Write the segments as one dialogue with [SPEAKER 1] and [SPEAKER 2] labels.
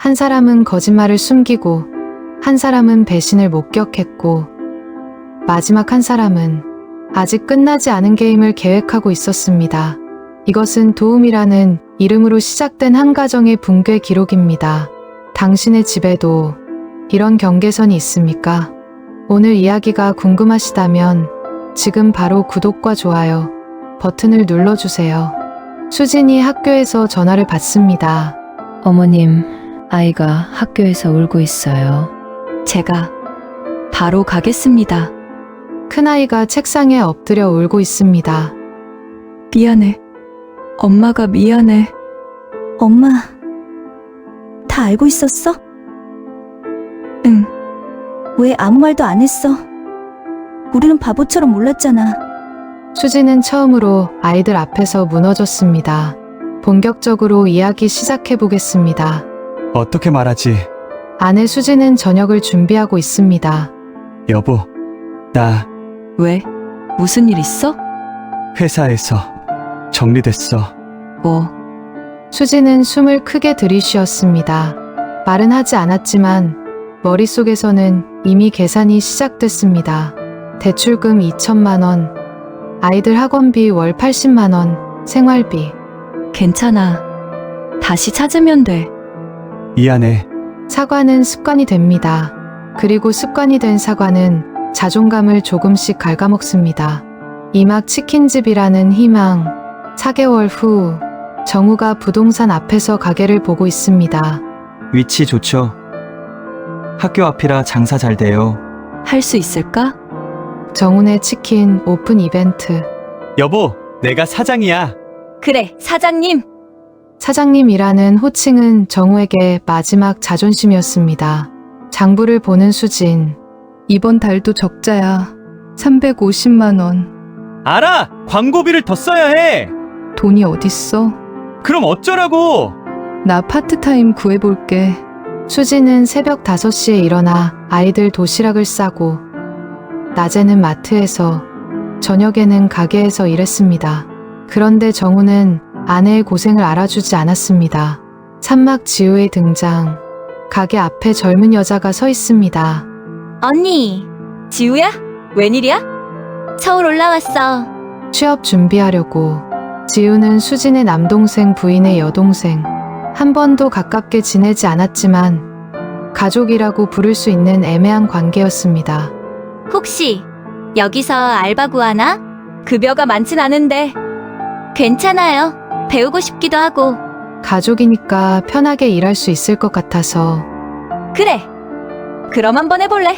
[SPEAKER 1] 한 사람은 거짓말을 숨기고, 한 사람은 배신을 목격했고, 마지막 한 사람은 아직 끝나지 않은 게임을 계획하고 있었습니다. 이것은 도움이라는 이름으로 시작된 한 가정의 붕괴 기록입니다. 당신의 집에도 이런 경계선이 있습니까? 오늘 이야기가 궁금하시다면 지금 바로 구독과 좋아요 버튼을 눌러주세요. 수진이 학교에서 전화를 받습니다.
[SPEAKER 2] 어머님, 아이가 학교에서 울고 있어요.
[SPEAKER 3] 제가 바로 가겠습니다.
[SPEAKER 1] 큰아이가 책상에 엎드려 울고 있습니다.
[SPEAKER 3] 미안해. 엄마가 미안해.
[SPEAKER 4] 엄마, 다 알고 있었어?
[SPEAKER 3] 응.
[SPEAKER 4] 왜 아무 말도 안 했어? 우리는 바보처럼 몰랐잖아.
[SPEAKER 1] 수진은 처음으로 아이들 앞에서 무너졌습니다. 본격적으로 이야기 시작해 보겠습니다.
[SPEAKER 5] 어떻게 말하지?
[SPEAKER 1] 아내 수진은 저녁을 준비하고 있습니다.
[SPEAKER 5] 여보, 나
[SPEAKER 3] 왜? 무슨 일 있어?
[SPEAKER 5] 회사에서 정리됐어.
[SPEAKER 3] 뭐?
[SPEAKER 1] 수진은 숨을 크게 들이쉬었습니다. 말은 하지 않았지만 머릿속에서는 이미 계산이 시작됐습니다. 대출금 2천만 원, 아이들 학원비 월 80만 원, 생활비.
[SPEAKER 3] 괜찮아. 다시 찾으면 돼.
[SPEAKER 5] 미안해.
[SPEAKER 1] 사과는 습관이 됩니다. 그리고 습관이 된 사과는 자존감을 조금씩 갉아먹습니다. 이막 치킨집이라는 희망. 4개월 후 정우가 부동산 앞에서 가게를 보고 있습니다.
[SPEAKER 6] 위치 좋죠? 학교 앞이라 장사 잘 돼요.
[SPEAKER 3] 할 수 있을까?
[SPEAKER 1] 정훈의 치킨 오픈 이벤트.
[SPEAKER 5] 여보, 내가 사장이야.
[SPEAKER 3] 그래, 사장님.
[SPEAKER 1] 사장님이라는 호칭은 정우에게 마지막 자존심이었습니다. 장부를 보는 수진.
[SPEAKER 3] 이번 달도 적자야. 350만 원.
[SPEAKER 5] 알아! 광고비를 더 써야 해!
[SPEAKER 3] 돈이 어딨어?
[SPEAKER 5] 그럼 어쩌라고!
[SPEAKER 3] 나 파트타임 구해볼게.
[SPEAKER 1] 수진은 새벽 5시에 일어나 아이들 도시락을 싸고, 낮에는 마트에서, 저녁에는 가게에서 일했습니다. 그런데 정우는 아내의 고생을 알아주지 않았습니다. 산막 지우의 등장. 가게 앞에 젊은 여자가 서 있습니다.
[SPEAKER 7] 언니, 지우야? 웬일이야? 서울 올라왔어.
[SPEAKER 1] 취업 준비하려고. 지우는 수진의 남동생 부인의 여동생. 한 번도 가깝게 지내지 않았지만 가족이라고 부를 수 있는 애매한 관계였습니다.
[SPEAKER 7] 혹시 여기서 알바 구하나? 급여가 많진 않은데. 괜찮아요. 배우고 싶기도 하고.
[SPEAKER 1] 가족이니까 편하게 일할 수 있을 것 같아서.
[SPEAKER 7] 그래. 그럼 한번 해볼래?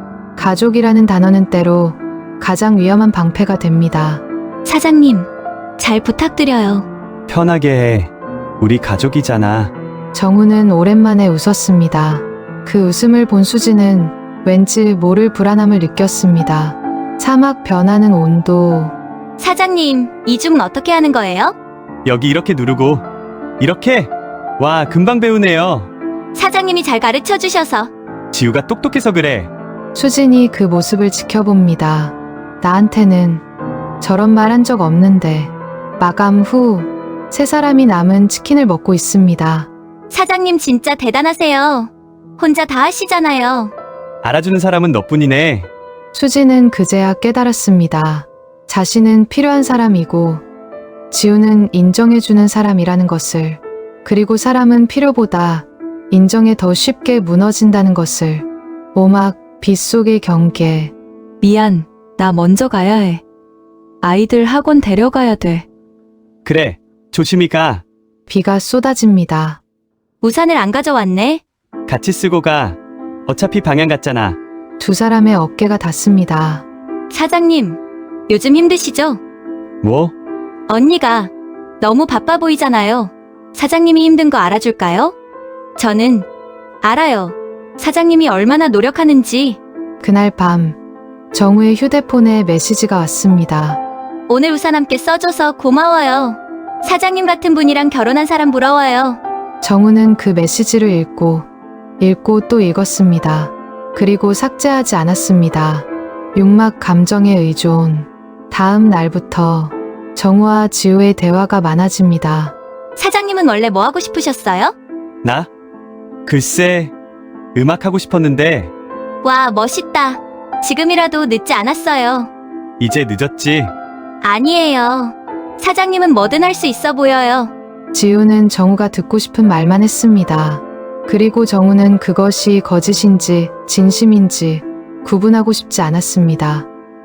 [SPEAKER 1] 가족이라는 단어는 때로 가장 위험한 방패가 됩니다.
[SPEAKER 7] 사장님, 잘 부탁드려요.
[SPEAKER 5] 편하게 해. 우리 가족이잖아.
[SPEAKER 1] 정우는 오랜만에 웃었습니다. 그 웃음을 본 수지는 왠지 모를 불안함을 느꼈습니다. 사막 변하는 온도.
[SPEAKER 7] 사장님, 이 줌은 어떻게 하는 거예요?
[SPEAKER 5] 여기 이렇게 누르고. 이렇게? 와, 금방 배우네요.
[SPEAKER 7] 사장님이 잘 가르쳐 주셔서.
[SPEAKER 5] 지우가 똑똑해서 그래.
[SPEAKER 1] 수진이 그 모습을 지켜봅니다. 나한테는 저런 말 한 적 없는데. 마감 후 세 사람이 남은 치킨을 먹고 있습니다.
[SPEAKER 7] 사장님 진짜 대단하세요. 혼자 다 하시잖아요.
[SPEAKER 5] 알아주는 사람은 너뿐이네.
[SPEAKER 1] 수지는 그제야 깨달았습니다. 자신은 필요한 사람이고 지우는 인정해주는 사람이라는 것을, 그리고 사람은 필요보다 인정에 더 쉽게 무너진다는 것을. 오막 빗속의 경계.
[SPEAKER 3] 미안. 나 먼저 가야 해. 아이들 학원 데려가야 돼.
[SPEAKER 5] 그래, 조심히 가.
[SPEAKER 1] 비가 쏟아집니다.
[SPEAKER 7] 우산을 안 가져왔네.
[SPEAKER 5] 같이 쓰고 가. 어차피 방향 같잖아.
[SPEAKER 1] 두 사람의 어깨가 닿습니다.
[SPEAKER 7] 사장님, 요즘 힘드시죠?
[SPEAKER 5] 뭐?
[SPEAKER 7] 언니가 너무 바빠 보이잖아요. 사장님이 힘든 거 알아줄까요? 저는 알아요. 사장님이 얼마나 노력하는지.
[SPEAKER 1] 그날 밤 정우의 휴대폰에 메시지가 왔습니다.
[SPEAKER 7] 오늘 우산 함께 써줘서 고마워요. 사장님 같은 분이랑 결혼한 사람 부러워요.
[SPEAKER 1] 정우는 그 메시지를 읽고 또 읽었습니다. 그리고 삭제하지 않았습니다. 육막 감정의 의존. 다음 날부터 정우와 지우의 대화가 많아집니다.
[SPEAKER 7] 사장님은 원래 뭐 하고 싶으셨어요?
[SPEAKER 5] 나? 글쎄, 음악 하고 싶었는데
[SPEAKER 7] 와, 멋있다. 지금이라도 늦지 않았어요.
[SPEAKER 5] 이제 늦었지.
[SPEAKER 7] 아니에요. 사장님은 뭐든 할 수 있어 보여요.
[SPEAKER 1] 지우는 정우가 듣고 싶은 말만 했습니다. 그리고 정우는 그것이 거짓인지 진심인지 구분하고 싶지 않았습니다.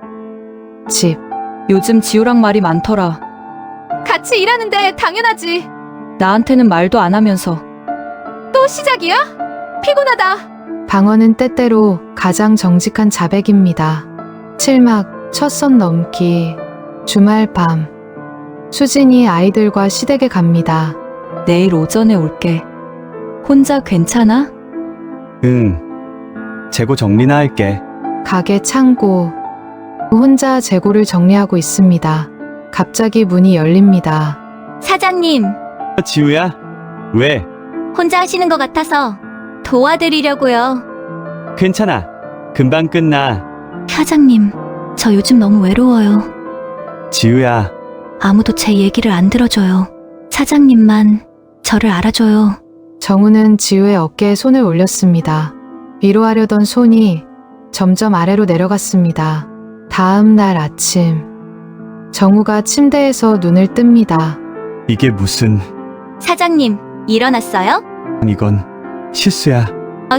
[SPEAKER 1] 집.
[SPEAKER 3] 요즘 지우랑 말이 많더라.
[SPEAKER 8] 같이 일하는데 당연하지.
[SPEAKER 3] 나한테는 말도 안 하면서.
[SPEAKER 8] 또 시작이야? 피곤하다.
[SPEAKER 1] 방언은 때때로 가장 정직한 자백입니다. 7막 첫 선 넘기. 주말 밤. 수진이 아이들과 시댁에 갑니다.
[SPEAKER 3] 내일 오전에 올게. 혼자 괜찮아?
[SPEAKER 5] 응. 재고 정리나 할게.
[SPEAKER 1] 가게 창고. 혼자 재고를 정리하고 있습니다. 갑자기 문이 열립니다.
[SPEAKER 7] 사장님,
[SPEAKER 5] 지우야? 왜?
[SPEAKER 7] 혼자 하시는 것 같아서 도와드리려고요.
[SPEAKER 5] 괜찮아. 금방 끝나.
[SPEAKER 7] 사장님, 저 요즘 너무 외로워요.
[SPEAKER 5] 지우야,
[SPEAKER 7] 아무도 제 얘기를 안 들어줘요. 사장님만 저를 알아줘요.
[SPEAKER 1] 정우는 지우의 어깨에 손을 올렸습니다. 위로하려던 손이 점점 아래로 내려갔습니다. 다음 날 아침. 정우가 침대에서 눈을 뜹니다.
[SPEAKER 5] 이게 무슨...
[SPEAKER 7] 사장님, 일어났어요?
[SPEAKER 5] 이건 실수야.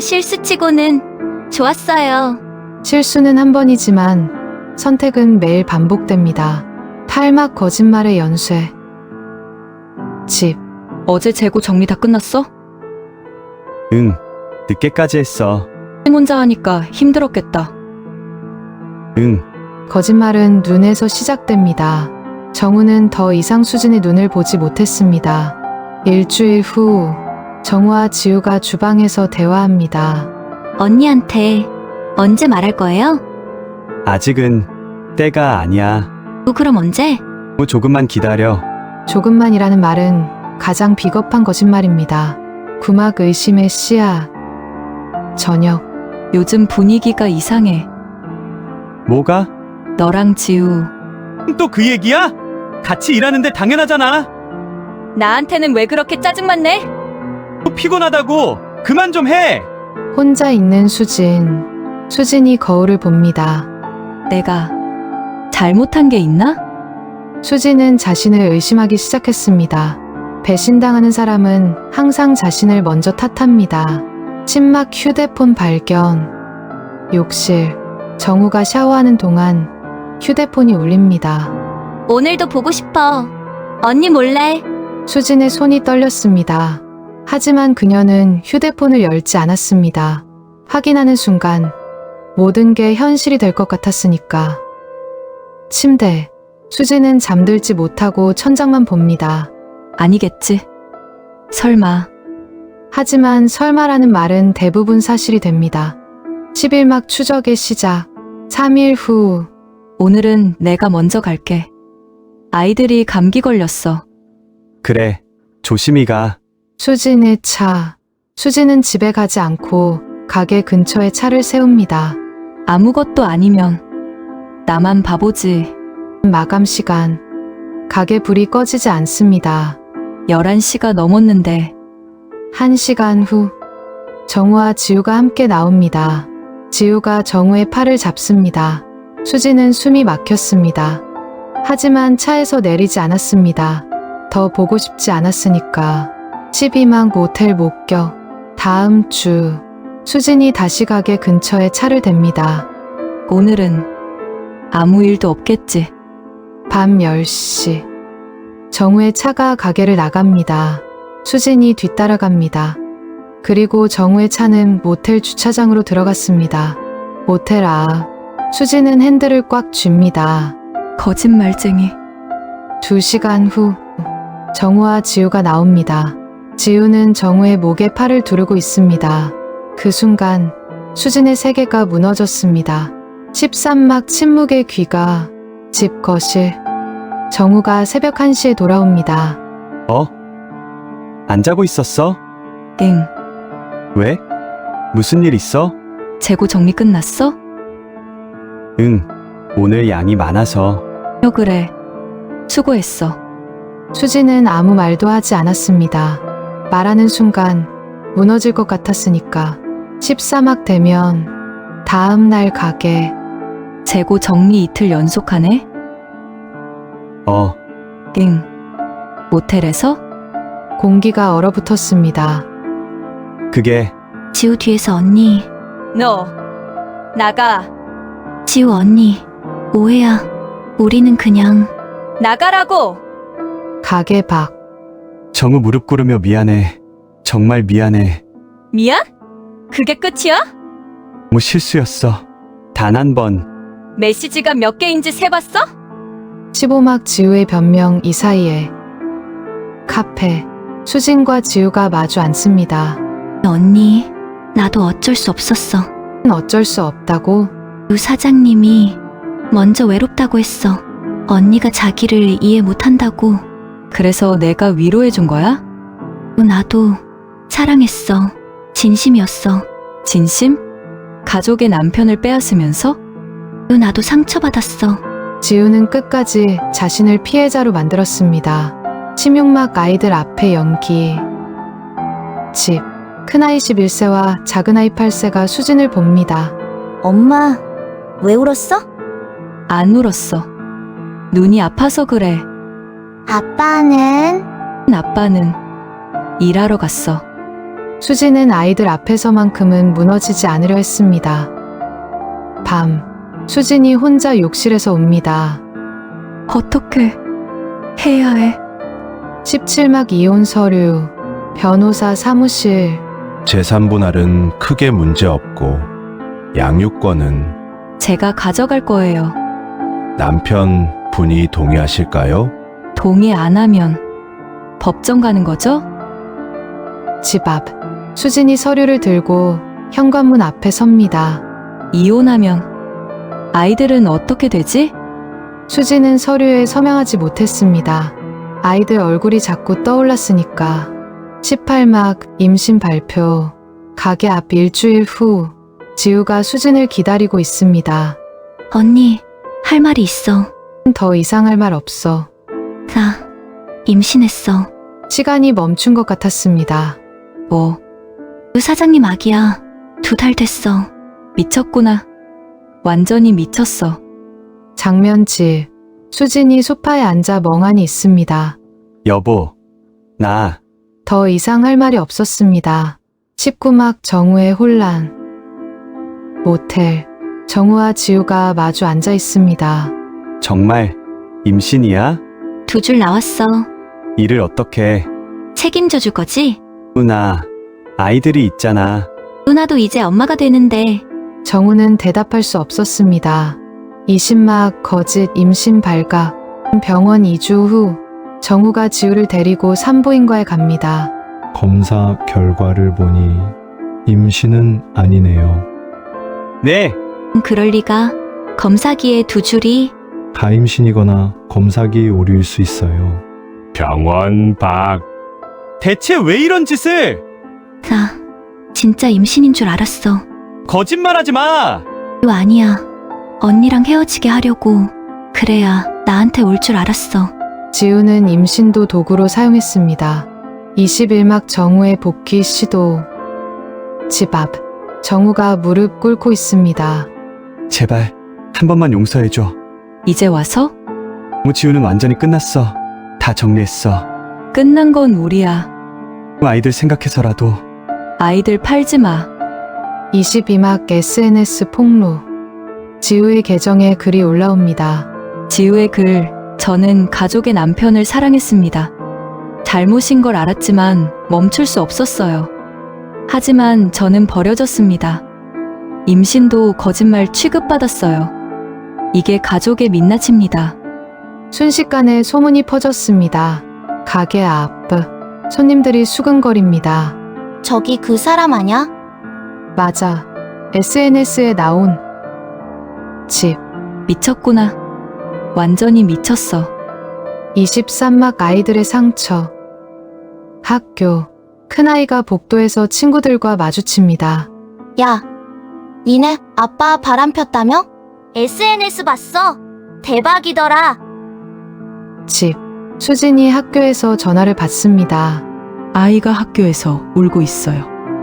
[SPEAKER 7] 실수치고는 좋았어요.
[SPEAKER 1] 실수는 한 번이지만 선택은 매일 반복됩니다. 탈막 거짓말의 연쇄. 집.
[SPEAKER 3] 어제 재고 정리 다 끝났어?
[SPEAKER 5] 응. 늦게까지 했어.
[SPEAKER 3] 혼자 하니까 힘들었겠다.
[SPEAKER 5] 응.
[SPEAKER 1] 거짓말은 눈에서 시작됩니다. 정우는 더 이상 수진의 눈을 보지 못했습니다. 일주일 후, 정우와 지우가 주방에서 대화합니다.
[SPEAKER 7] 언니한테 언제 말할 거예요?
[SPEAKER 5] 아직은 때가 아니야.
[SPEAKER 7] 그럼 언제?
[SPEAKER 5] 조금만 기다려.
[SPEAKER 1] 조금만이라는 말은 가장 비겁한 거짓말입니다. 구막 의심의 씨앗. 저녁.
[SPEAKER 3] 요즘 분위기가 이상해.
[SPEAKER 5] 뭐가?
[SPEAKER 3] 너랑 지우.
[SPEAKER 5] 또 그 얘기야? 같이 일하는데 당연하잖아.
[SPEAKER 3] 나한테는 왜 그렇게 짜증만 내?
[SPEAKER 5] 피곤하다고. 그만 좀 해.
[SPEAKER 1] 혼자 있는 수진. 수진이 거울을 봅니다.
[SPEAKER 3] 내가 잘못한 게 있나?
[SPEAKER 1] 수진은 자신을 의심하기 시작했습니다. 배신당하는 사람은 항상 자신을 먼저 탓합니다. 침막 휴대폰 발견. 욕실. 정우가 샤워하는 동안 휴대폰이 울립니다.
[SPEAKER 7] 오늘도 보고 싶어. 언니 몰래.
[SPEAKER 1] 수진의 손이 떨렸습니다. 하지만 그녀는 휴대폰을 열지 않았습니다. 확인하는 순간 모든 게 현실이 될 것 같았으니까. 침대. 수진은 잠들지 못하고 천장만 봅니다.
[SPEAKER 3] 아니겠지. 설마.
[SPEAKER 1] 하지만 설마라는 말은 대부분 사실이 됩니다. 11막 추적의 시작. 3일 후.
[SPEAKER 3] 오늘은 내가 먼저 갈게. 아이들이 감기 걸렸어.
[SPEAKER 5] 그래. 조심히 가.
[SPEAKER 1] 수진의 차. 수진은 집에 가지 않고 가게 근처에 차를 세웁니다.
[SPEAKER 3] 아무것도 아니면 나만 바보지.
[SPEAKER 1] 마감 시간. 가게 불이 꺼지지 않습니다.
[SPEAKER 3] 11시가 넘었는데
[SPEAKER 1] 1시간 후. 정우와 지우가 함께 나옵니다. 지우가 정우의 팔을 잡습니다. 수진은 숨이 막혔습니다. 하지만 차에서 내리지 않았습니다. 더 보고 싶지 않았으니까. 12막 모텔 목격. 다음 주. 수진이 다시 가게 근처에 차를 댑니다.
[SPEAKER 3] 오늘은 아무 일도 없겠지.
[SPEAKER 1] 밤 10시. 정우의 차가 가게를 나갑니다. 수진이 뒤따라갑니다. 그리고 정우의 차는 모텔 주차장으로 들어갔습니다. 모텔 앞. 수진은 핸들을 꽉 쥡니다.
[SPEAKER 3] 거짓말쟁이.
[SPEAKER 1] 2시간 후. 정우와 지우가 나옵니다. 지우는 정우의 목에 팔을 두르고 있습니다. 그 순간 수진의 세계가 무너졌습니다. 13막 침묵의 귀가. 집 거실. 정우가 새벽 1시에 돌아옵니다.
[SPEAKER 5] 안 자고 있었어?
[SPEAKER 3] 응.
[SPEAKER 5] 왜? 무슨 일 있어?
[SPEAKER 3] 재고 정리 끝났어?
[SPEAKER 5] 응. 오늘 양이 많아서.
[SPEAKER 3] 그래. 수고했어.
[SPEAKER 1] 수진은 아무 말도 하지 않았습니다. 말하는 순간 무너질 것 같았으니까. 13학 되면 다음 날 가게.
[SPEAKER 3] 재고 정리 이틀 연속하네? 응. 모텔에서?
[SPEAKER 1] 공기가 얼어붙었습니다.
[SPEAKER 5] 그게
[SPEAKER 4] 지우 뒤에서 언니,
[SPEAKER 3] 너 나가.
[SPEAKER 4] 지우 언니, 오해야. 우리는 그냥
[SPEAKER 3] 나가라고.
[SPEAKER 1] 가게 밖.
[SPEAKER 5] 정우 무릎 꿇으며 미안해. 정말 미안해.
[SPEAKER 3] 미안? 그게 끝이야?
[SPEAKER 5] 뭐 실수였어. 단 한 번.
[SPEAKER 3] 메시지가 몇 개인지 세봤어?
[SPEAKER 1] 15막 지우의 변명. 이 사이에 카페. 수진과 지우가 마주 앉습니다.
[SPEAKER 4] 언니, 나도 어쩔 수 없었어.
[SPEAKER 1] 어쩔 수 없다고?
[SPEAKER 4] 유 사장님이 먼저 외롭다고 했어. 언니가 자기를 이해 못한다고.
[SPEAKER 3] 그래서 내가 위로해준 거야?
[SPEAKER 4] 나도 사랑했어. 진심이었어.
[SPEAKER 3] 진심? 가족의 남편을 빼앗으면서?
[SPEAKER 4] 나도 상처받았어.
[SPEAKER 1] 지우는 끝까지 자신을 피해자로 만들었습니다. 16막 아이들 앞에 연기. 집. 큰아이 11세와 작은아이 8세가 수진을 봅니다.
[SPEAKER 4] 엄마, 왜 울었어?
[SPEAKER 3] 안 울었어. 눈이 아파서 그래.
[SPEAKER 4] 아빠는?
[SPEAKER 3] 아빠는 일하러 갔어.
[SPEAKER 1] 수진은 아이들 앞에서만큼은 무너지지 않으려 했습니다. 밤. 수진이 혼자 욕실에서 웁니다.
[SPEAKER 3] 어떻게 해야 해?
[SPEAKER 1] 17막 이혼 서류. 변호사 사무실.
[SPEAKER 9] 재산 분할은 크게 문제 없고 양육권은
[SPEAKER 3] 제가 가져갈 거예요.
[SPEAKER 9] 남편 분이 동의하실까요?
[SPEAKER 3] 동의 안 하면 법정 가는 거죠?
[SPEAKER 1] 집 앞. 수진이 서류를 들고 현관문 앞에 섭니다.
[SPEAKER 3] 이혼하면 아이들은 어떻게 되지?
[SPEAKER 1] 수진은 서류에 서명하지 못했습니다. 아이들 얼굴이 자꾸 떠올랐으니까. 18막 임신 발표. 가게 앞. 일주일 후. 지우가 수진을 기다리고 있습니다.
[SPEAKER 4] 언니, 할 말이 있어.
[SPEAKER 1] 더 이상 할 말 없어.
[SPEAKER 4] 나 임신했어.
[SPEAKER 1] 시간이 멈춘 것 같았습니다.
[SPEAKER 3] 뭐
[SPEAKER 4] 유 사장님 아기야. 2달 됐어.
[SPEAKER 3] 미쳤구나. 완전히 미쳤어.
[SPEAKER 1] 장면집. 수진이 소파에 앉아 멍하니 있습니다.
[SPEAKER 5] 여보. 나
[SPEAKER 1] 더 이상 할 말이 없었습니다. 19막 정우의 혼란. 모텔. 정우와 지우가 마주 앉아 있습니다.
[SPEAKER 5] 정말 임신이야?
[SPEAKER 4] 2줄 나왔어.
[SPEAKER 5] 일을 어떻게?
[SPEAKER 4] 책임져 줄 거지?
[SPEAKER 5] 누나. 아이들이 있잖아.
[SPEAKER 4] 누나도 이제 엄마가 되는데.
[SPEAKER 1] 정우는 대답할 수 없었습니다. 20막 거짓 임신 발각. 병원 2주 후. 정우가 지우를 데리고 산부인과에 갑니다.
[SPEAKER 10] 검사 결과를 보니 임신은 아니네요.
[SPEAKER 5] 네.
[SPEAKER 4] 그럴 리가. 검사기에 2줄이.
[SPEAKER 10] 가임신이거나 검사기 오류일 수 있어요.
[SPEAKER 9] 병원 밖.
[SPEAKER 5] 대체 왜 이런 짓을?
[SPEAKER 4] 나 진짜 임신인 줄 알았어.
[SPEAKER 5] 거짓말하지 마.
[SPEAKER 4] 이거 아니야. 언니랑 헤어지게 하려고. 그래야 나한테 올 줄 알았어.
[SPEAKER 1] 지우는 임신도 도구로 사용했습니다. 21막 정우의 복귀 시도. 집 앞. 정우가 무릎 꿇고 있습니다.
[SPEAKER 5] 제발 한 번만 용서해줘.
[SPEAKER 3] 이제 와서?
[SPEAKER 5] 지우는 완전히 끝났어. 다 정리했어.
[SPEAKER 3] 끝난 건 우리야.
[SPEAKER 5] 아이들 생각해서라도.
[SPEAKER 3] 아이들 팔지 마.
[SPEAKER 1] 22막 SNS 폭로. 지우의 계정에 글이 올라옵니다.
[SPEAKER 3] 지우의 글. 저는 가족의 남편을 사랑했습니다. 잘못인 걸 알았지만 멈출 수 없었어요. 하지만 저는 버려졌습니다. 임신도 거짓말 취급받았어요. 이게 가족의 민낯입니다.
[SPEAKER 1] 순식간에 소문이 퍼졌습니다. 가게 앞. 손님들이 수근거립니다.
[SPEAKER 7] 저기 그 사람 아냐?
[SPEAKER 1] 맞아. SNS에 나온 집.
[SPEAKER 3] 미쳤구나. 완전히 미쳤어.
[SPEAKER 1] 23막 아이들의 상처. 학교. 큰아이가 복도에서 친구들과 마주칩니다.
[SPEAKER 7] 야, 니네 아빠 바람 폈다며? SNS 봤어. 대박이더라.
[SPEAKER 1] 집. 수진이 학교에서 전화를 받습니다.
[SPEAKER 3] 아이가 학교에서 울고 있어요.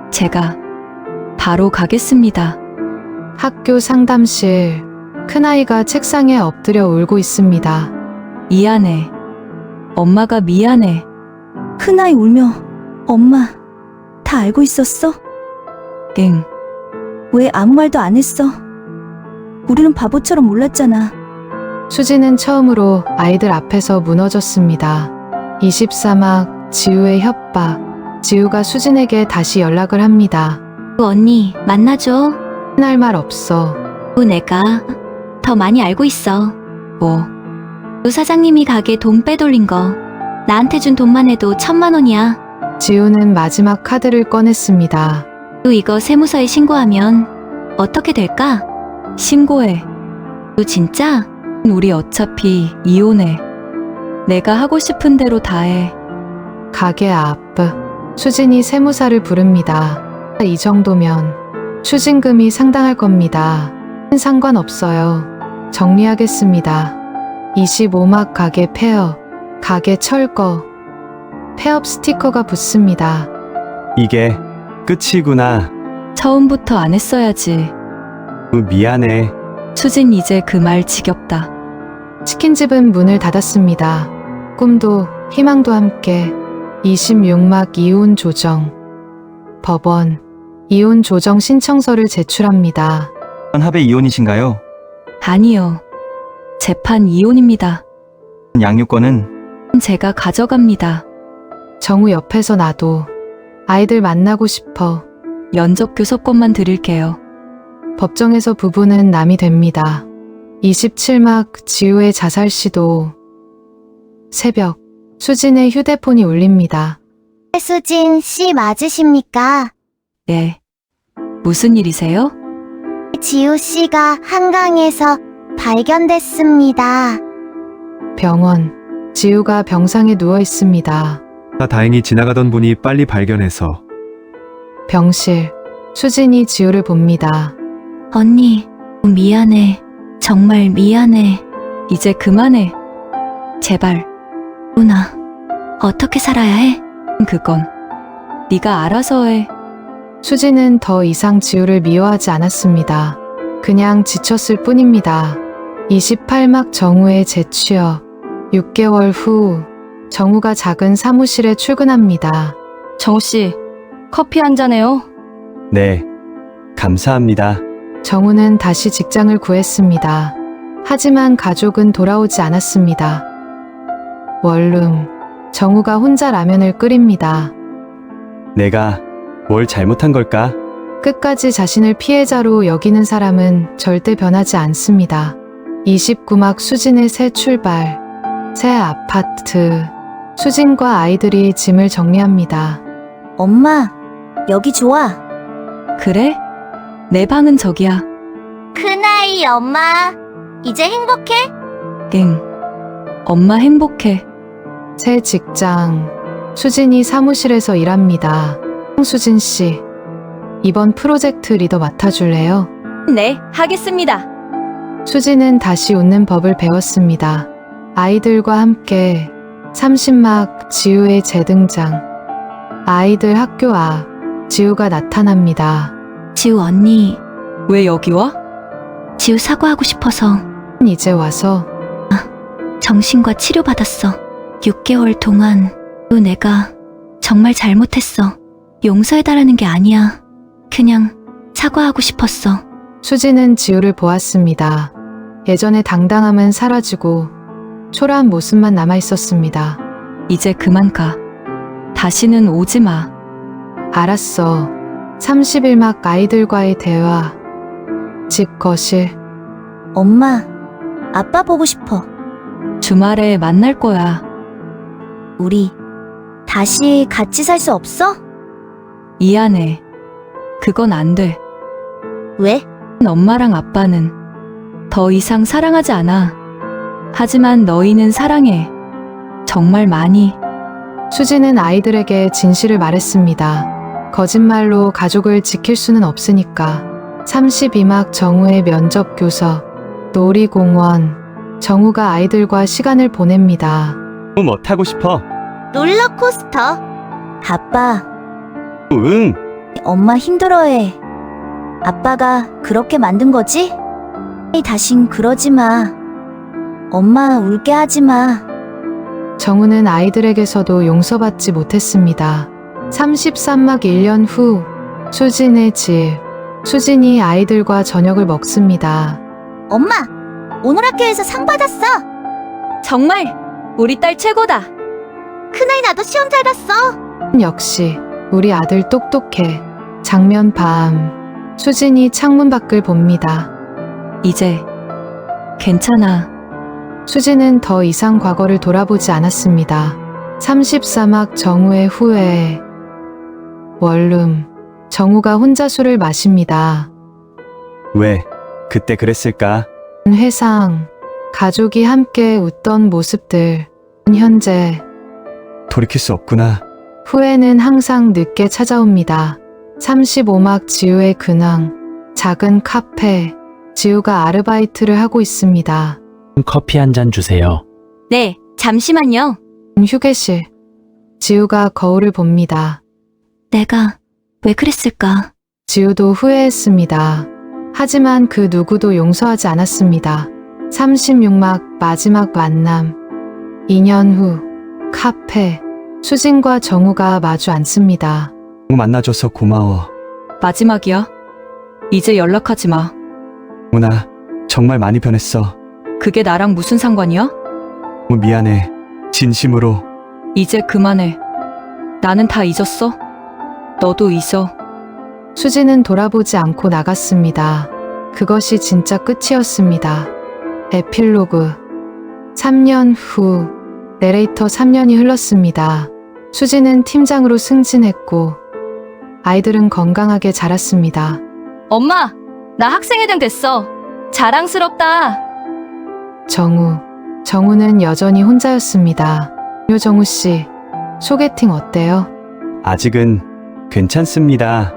[SPEAKER 3] 제가 바로 가겠습니다.
[SPEAKER 1] 학교 상담실. 큰아이가 책상에 엎드려 울고 있습니다.
[SPEAKER 3] 미안해. 엄마가 미안해.
[SPEAKER 4] 큰아이 울며 엄마 다 알고 있었어?
[SPEAKER 3] 응.
[SPEAKER 4] 왜 아무 말도 안 했어? 우리는 바보처럼 몰랐잖아.
[SPEAKER 1] 수지는 처음으로 아이들 앞에서 무너졌습니다. 24막 지우의 협박. 지우가 수진에게 다시 연락을 합니다.
[SPEAKER 7] 언니, 만나줘.
[SPEAKER 1] 할 말 없어.
[SPEAKER 7] 내가 더 많이 알고 있어.
[SPEAKER 3] 뭐,
[SPEAKER 7] 우 사장님이 가게 돈 빼돌린 거. 나한테 준 돈만 해도 1,000만 원이야.
[SPEAKER 1] 지우는 마지막 카드를 꺼냈습니다.
[SPEAKER 7] 우 이거 세무서에 신고하면 어떻게 될까?
[SPEAKER 3] 신고해.
[SPEAKER 7] 우 진짜?
[SPEAKER 3] 우리 어차피 이혼해. 내가 하고 싶은 대로 다 해.
[SPEAKER 1] 가게 앞. 수진이 세무사를 부릅니다. 이 정도면 추징금이 상당할 겁니다. 상관없어요. 정리하겠습니다. 25막 가게 폐업. 가게 철거. 폐업 스티커가 붙습니다.
[SPEAKER 5] 이게 끝이구나.
[SPEAKER 3] 처음부터 안 했어야지.
[SPEAKER 5] 미안해.
[SPEAKER 3] 수진 이제 그 말 지겹다.
[SPEAKER 1] 치킨집은 문을 닫았습니다. 꿈도 희망도 함께. 26막 이혼 조정. 법원. 이혼 조정 신청서를 제출합니다.
[SPEAKER 6] 합의 이혼이신가요?
[SPEAKER 3] 아니요. 재판 이혼입니다.
[SPEAKER 6] 양육권은
[SPEAKER 3] 제가 가져갑니다.
[SPEAKER 1] 정우 옆에서 나도 아이들 만나고 싶어.
[SPEAKER 3] 면접 교섭권만 드릴게요.
[SPEAKER 1] 법정에서 부부는 남이 됩니다. 27막 지우의 자살 시도. 새벽. 수진의 휴대폰이 울립니다.
[SPEAKER 11] 수진 씨 맞으십니까?
[SPEAKER 3] 네. 무슨 일이세요?
[SPEAKER 11] 지우 씨가 한강에서 발견됐습니다.
[SPEAKER 1] 병원. 지우가 병상에 누워 있습니다.
[SPEAKER 10] 다행히 지나가던 분이 빨리 발견해서.
[SPEAKER 1] 병실. 수진이 지우를 봅니다.
[SPEAKER 4] 언니, 미안해. 정말 미안해.
[SPEAKER 3] 이제 그만해. 제발.
[SPEAKER 4] 누나, 어떻게 살아야 해?
[SPEAKER 3] 그건 네가 알아서 해.
[SPEAKER 1] 수진은 더 이상 지우를 미워하지 않았습니다. 그냥 지쳤을 뿐입니다. 28막 정우의 재취업. 6개월 후 정우가 작은 사무실에 출근합니다.
[SPEAKER 3] 정우 씨, 커피 한 잔해요.
[SPEAKER 5] 네. 감사합니다.
[SPEAKER 1] 정우는 다시 직장을 구했습니다. 하지만 가족은 돌아오지 않았습니다. 원룸. 정우가 혼자 라면을 끓입니다.
[SPEAKER 5] 내가 뭘 잘못한 걸까?
[SPEAKER 1] 끝까지 자신을 피해자로 여기는 사람은 절대 변하지 않습니다. 29막 수진의 새 출발. 새 아파트. 수진과 아이들이 짐을 정리합니다.
[SPEAKER 4] 엄마, 여기 좋아.
[SPEAKER 3] 그래? 내 방은 저기야.
[SPEAKER 11] 큰아이 엄마, 이제 행복해?
[SPEAKER 3] 응. 엄마 행복해.
[SPEAKER 1] 새 직장. 수진이 사무실에서 일합니다. 수진 씨, 이번 프로젝트 리더 맡아줄래요?
[SPEAKER 3] 네, 하겠습니다.
[SPEAKER 1] 수진은 다시 웃는 법을 배웠습니다. 아이들과 함께 30막 지우의 재등장. 아이들 학교 앞. 지우가 나타납니다.
[SPEAKER 4] 지우 언니,
[SPEAKER 3] 왜 여기 와?
[SPEAKER 4] 지우 사과하고 싶어서.
[SPEAKER 1] 이제 와서.
[SPEAKER 4] 정신과 치료받았어. 6개월 동안 내가 정말 잘못했어. 용서해달라는 게 아니야. 그냥 사과하고 싶었어.
[SPEAKER 1] 수진은 지우를 보았습니다. 예전의 당당함은 사라지고 초라한 모습만 남아 있었습니다.
[SPEAKER 3] 이제 그만 가. 다시는 오지 마.
[SPEAKER 1] 알았어. 31막 아이들과의 대화. 집 거실.
[SPEAKER 4] 엄마, 아빠 보고 싶어.
[SPEAKER 3] 주말에 만날 거야.
[SPEAKER 4] 우리 다시 같이 살 수 없어?
[SPEAKER 3] 미안해. 그건 안 돼.
[SPEAKER 4] 왜?
[SPEAKER 3] 엄마랑 아빠는 더 이상 사랑하지 않아. 하지만 너희는 사랑해. 정말 많이.
[SPEAKER 1] 수지는 아이들에게 진실을 말했습니다. 거짓말로 가족을 지킬 수는 없으니까. 32막 정우의 면접 교섭. 놀이공원. 정우가 아이들과 시간을 보냅니다.
[SPEAKER 5] 뭐 타고 싶어?
[SPEAKER 11] 롤러코스터.
[SPEAKER 4] 아빠,
[SPEAKER 5] 응.
[SPEAKER 11] 엄마 힘들어해. 아빠가 그렇게 만든 거지? 다신 그러지 마. 엄마 울게 하지 마.
[SPEAKER 1] 정우는 아이들에게서도 용서받지 못했습니다. 33막 1년 후 수진의 집. 수진이 아이들과 저녁을 먹습니다.
[SPEAKER 11] 엄마, 오늘 학교에서 상 받았어.
[SPEAKER 7] 정말 우리 딸 최고다.
[SPEAKER 11] 큰아이 나도 시험 잘 봤어.
[SPEAKER 1] 역시 우리 아들 똑똑해. 장면 밤. 수진이 창문 밖을 봅니다.
[SPEAKER 3] 이제 괜찮아.
[SPEAKER 1] 수진은 더 이상 과거를 돌아보지 않았습니다. 34막 정우의 후회. 원룸. 정우가 혼자 술을 마십니다.
[SPEAKER 5] 왜 그때 그랬을까?
[SPEAKER 1] 회상. 가족이 함께 웃던 모습들. 현재.
[SPEAKER 5] 돌이킬 수 없구나.
[SPEAKER 1] 후회는 항상 늦게 찾아옵니다. 35막 지우의 근황. 작은 카페. 지우가 아르바이트를 하고 있습니다.
[SPEAKER 12] 커피 한 잔 주세요.
[SPEAKER 7] 네, 잠시만요.
[SPEAKER 1] 휴게실. 지우가 거울을 봅니다.
[SPEAKER 4] 내가 왜 그랬을까?
[SPEAKER 1] 지우도 후회했습니다. 하지만 그 누구도 용서하지 않았습니다. 36막 마지막 만남. 2년 후 카페. 수진과 정우가 마주 앉습니다.
[SPEAKER 5] 만나줘서 고마워.
[SPEAKER 3] 마지막이야. 이제 연락하지 마.
[SPEAKER 5] 문아, 정말 많이 변했어.
[SPEAKER 3] 그게 나랑 무슨 상관이야?
[SPEAKER 5] 미안해. 진심으로.
[SPEAKER 3] 이제 그만해. 나는 다 잊었어. 너도 잊어.
[SPEAKER 1] 수진은 돌아보지 않고 나갔습니다. 그것이 진짜 끝이었습니다. 에필로그. 3년 후. 내레이터 3년이 흘렀습니다. 수진은 팀장으로 승진했고 아이들은 건강하게 자랐습니다.
[SPEAKER 7] 엄마, 나 학생회장 됐어. 자랑스럽다.
[SPEAKER 1] 정우는 여전히 혼자였습니다. 요정우 씨, 소개팅 어때요?
[SPEAKER 5] 아직은 괜찮습니다.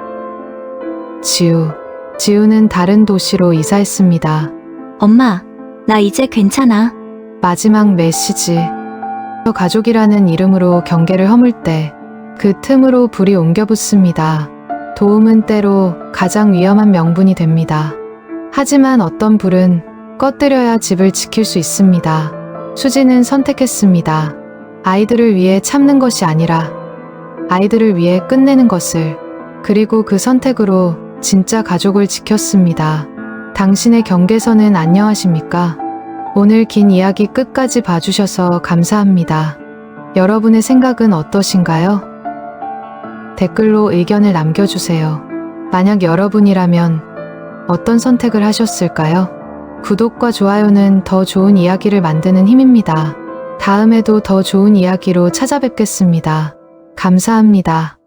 [SPEAKER 1] 지우는 다른 도시로 이사했습니다.
[SPEAKER 4] 엄마, 나 이제 괜찮아.
[SPEAKER 1] 마지막 메시지. 가족이라는 이름으로 경계를 허물 때 그 틈으로 불이 옮겨 붙습니다. 도움은 때로 가장 위험한 명분이 됩니다. 하지만 어떤 불은 꺼뜨려야 집을 지킬 수 있습니다. 수지는 선택했습니다. 아이들을 위해 참는 것이 아니라 아이들을 위해 끝내는 것을. 그리고 그 선택으로 진짜 가족을 지켰습니다. 당신의 경계선은 안녕하십니까? 오늘 긴 이야기 끝까지 봐주셔서 감사합니다. 여러분의 생각은 어떠신가요? 댓글로 의견을 남겨주세요. 만약 여러분이라면 어떤 선택을 하셨을까요? 구독과 좋아요는 더 좋은 이야기를 만드는 힘입니다. 다음에도 더 좋은 이야기로 찾아뵙겠습니다. 감사합니다.